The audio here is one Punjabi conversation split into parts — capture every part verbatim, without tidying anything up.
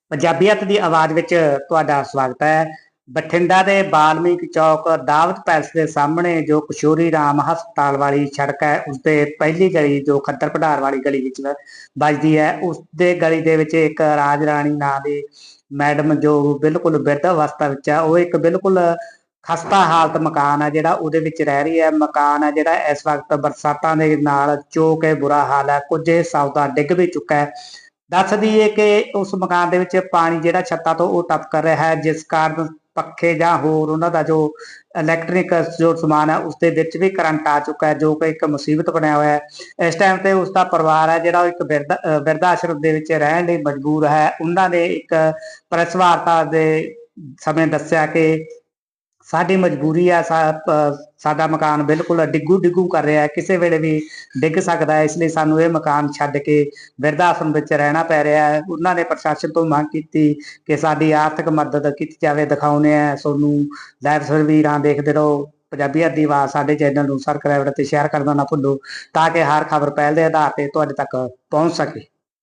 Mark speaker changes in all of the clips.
Speaker 1: ਪੰਜਾਬੀਅਤ ਦੀ ਆਵਾਜ਼ ਵਿੱਚ ਤੁਹਾਡਾ ਸਵਾਗਤ ਹੈ। ਬਠਿੰਡਾ ਦੇ ਬਾਲਮੀਕ ਚੌਕ ਦਾਵਤ ਪੈਲਸ ਦੇ ਸਾਹਮਣੇ ਜੋ ਕਿਸ਼ੋਰੀ ਰਾਮ ਹਸਪਤਾਲ ਵਾਲੀ ਸੜਕ ਹੈ, ਉਸਦੇ ਪਹਿਲੀ ਗਲੀ ਜੋ ਖੱਦਰ ਭੰਡਾਰ ਵਾਲੀ ਗਲੀ ਵਿੱਚ ਵੱਜਦੀ ਹੈ, ਉਸਦੇ ਗਲੀ ਦੇ ਵਿੱਚ ਇੱਕ ਰਾਜ ਰਾਣੀ ਨਾਂ ਦੀ ਮੈਡਮ ਜੋ ਬਿਲਕੁਲ ਬਿਰਧ ਅਵਸਥਾ ਵਿੱਚ ਹੈ, ਉਹ ਇੱਕ ਬਿਲਕੁਲ ਖਸਤਾ ਹਾਲਤ ਮਕਾਨ ਹੈ ਜਿਹੜਾ ਉਹਦੇ ਵਿੱਚ ਰਹਿ ਰਹੀ ਹੈ। ਮਕਾਨ ਹੈ ਜਿਹੜਾ ਇਸ ਵਕਤ ਬਰਸਾਤਾਂ ਦੇ ਨਾਲ ਚੋ ਕੇ ਬੁਰਾ ਹਾਲ ਹੈ, ਕੁਝ ਹਿੱਸਾ ਉਹਦਾ ਡਿੱਗ ਵੀ ਚੁੱਕਾ ਹੈ। ਦੱਸ ਦਈਏ ਕਿ ਉਸ ਮਕਾਨ ਦੇ ਵਿੱਚ ਪਾਣੀ ਜਿਹੜਾ ਛੱਤਾਂ ਤੋਂ ਉਹ ਟੱਪ ਕਰ ਰਿਹਾ ਹੈ, ਜਿਸ ਕਾਰਨ ਪੱਖੇ ਜਾਂ ਹੋਰ ਉਹਨਾਂ ਦਾ ਜੋ ਇਲੈਕਟ੍ਰਿਕ ਜੋ ਸਮਾਨ ਹੈ ਉਸਦੇ ਵਿੱਚ ਵੀ ਕਰੰਟ ਆ ਚੁੱਕਾ ਹੈ, ਜੋ ਕਿ ਇੱਕ ਮੁਸੀਬਤ ਬਣਿਆ ਹੋਇਆ ਹੈ। ਇਸ ਟਾਈਮ ਤੇ ਉਸਦਾ ਪਰਿਵਾਰ ਹੈ ਜਿਹੜਾ ਉਹ ਇੱਕ ਬਿਰਧ ਬਿਰਧ ਆਸ਼ਰਮ ਦੇ ਵਿੱਚ ਰਹਿਣ ਲਈ ਮਜਬੂਰ ਹੈ। ਉਹਨਾਂ ਨੇ ਇੱਕ ਪ੍ਰੈਸ ਵਾਰਤਾ ਦੇ ਸਮੇਂ ਦੱਸਿਆ ਕਿ ਸਾਡੀ ਮਜਬੂਰੀ ਆ, ਸਾਡਾ ਮਕਾਨ ਬਿਲਕੁਲ ਡਿੱਗੂ ਡਿੱਗੂ ਕਰ ਰਿਹਾ ਹੈ, ਕਿਸੇ ਵੇਲੇ ਵੀ ਡਿੱਗ ਸਕਦਾ ਹੈ, ਇਸ ਲਈ ਸਾਨੂੰ ਇਹ ਮਕਾਨ ਛੱਡ ਕੇ ਬਿਰਧ ਆਸ਼ਰਮ ਵਿੱਚ ਰਹਿਣਾ ਪੈ ਰਿਹਾ ਹੈ। ਉਹਨਾਂ ਨੇ ਪ੍ਰਸ਼ਾਸਨ ਤੋਂ ਮੰਗ ਕੀਤੀ ਕਿ ਸਾਡੀ ਆਰਥਿਕ ਮਦਦ ਕੀਤੀ ਜਾਵੇ। ਦਿਖਾਉਂਦੇ ਆ ਤੁਹਾਨੂੰ ਲਾਈਵ ਤਸਵੀਰਾਂ, ਦੇਖਦੇ ਰਹੋ। ਪੰਜਾਬੀਅਤ ਦੀ ਆਵਾਜ਼ ਸਾਡੇ ਚੈਨਲ ਨੂੰ ਸਬਸਕ੍ਰਾਈਬ ਅਤੇ ਸ਼ੇਅਰ ਕਰਨਾ ਨਾ ਭੁੱਲੋ, ਤਾਂ ਕਿ ਹਰ ਖਬਰ ਪਹਿਲ ਦੇ ਆਧਾਰ ਤੇ ਤੁਹਾਡੇ ਤੱਕ ਪਹੁੰਚ ਸਕੇ।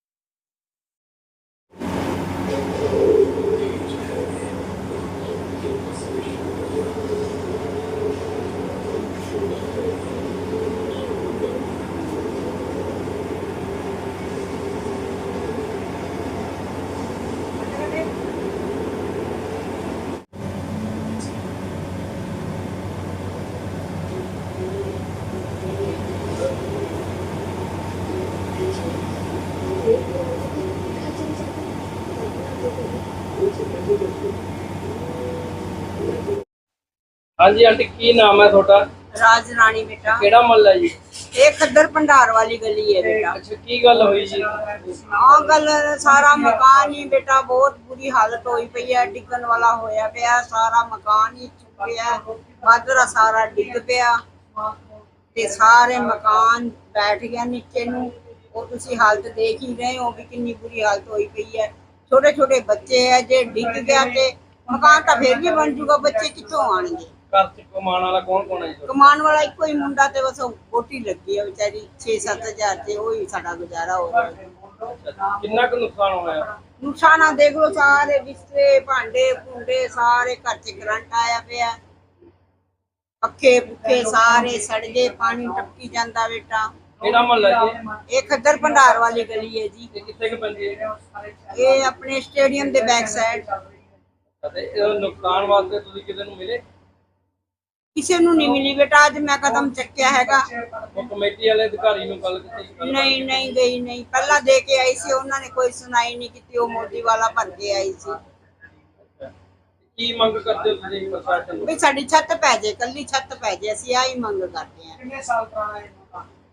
Speaker 2: हाँ जी आंटी, की नाम है थोड़ा?
Speaker 3: राज रानी बेटा।
Speaker 2: केड़ा महल्ला जी?
Speaker 3: ये खद्दर भंडार वाली गली है बेटा।
Speaker 2: अच्छा, की गल हुई जी?
Speaker 3: हाँ, गल सारा मकान ही बेटा बहुत बुरी हालत हुई पई है, डिगन वाला होया पिया, सारा मकान ही चुक गया, बादरा सारा डिग पिया ते सारे मकान बैठ गया नीचे नू। और तुसी हालत देख ही रहे हो भी कितनी बुरी हालत हुई पई है। छोटे छोटे बच्चे है, जे डिग गया ते मकान तो फिर भी बन जूगा, बच्चे कितों आएंगे?
Speaker 2: घर च कमाने वाला कौन कौन है जी?
Speaker 3: कमान वाला एक ही मुंडा ते बस बोटी लगी है बेचारी, छे सत्त हजार ते वही साडा गुजारा हो रहा है।
Speaker 2: कितना का नुकसान होया?
Speaker 3: नुकसान देख लो, सारे बिस्तरे भांडे भूंडे सारे घर च करंट आया पिया, पक्खे पुखे सारे सड़ गए, पानी टपकी जांदा बेटा।
Speaker 2: केड़ा महल्ला जी?
Speaker 3: ये खद्दर भंडार वाली गली है जी।
Speaker 2: ये कित्थे के पैंदी है?
Speaker 3: ये अपने स्टेडियम दे बैक साइड।
Speaker 2: ते इह नुकसान वास्ते तुसीं किसे नूं मिले?
Speaker 3: किसी नूं नहीं मिली बेटा, अज मैं कदम चक्या हैगा।
Speaker 2: वो कमेटी वाले अधिकारी नूं गल कीती?
Speaker 3: नहीं नहीं गई नहीं, पहला दे के आई सी, उन्होंने कोई सुनाई नहीं की, वो मोदी वाला भर के आई सी।
Speaker 2: की मंग करदे हो तुसीं प्रशासन नूं?
Speaker 3: भी साडी छत पै जाए, कल्ली छत पै जाए, असीं आही मंग करते हैं।
Speaker 2: कितने साल पुराना है मकान?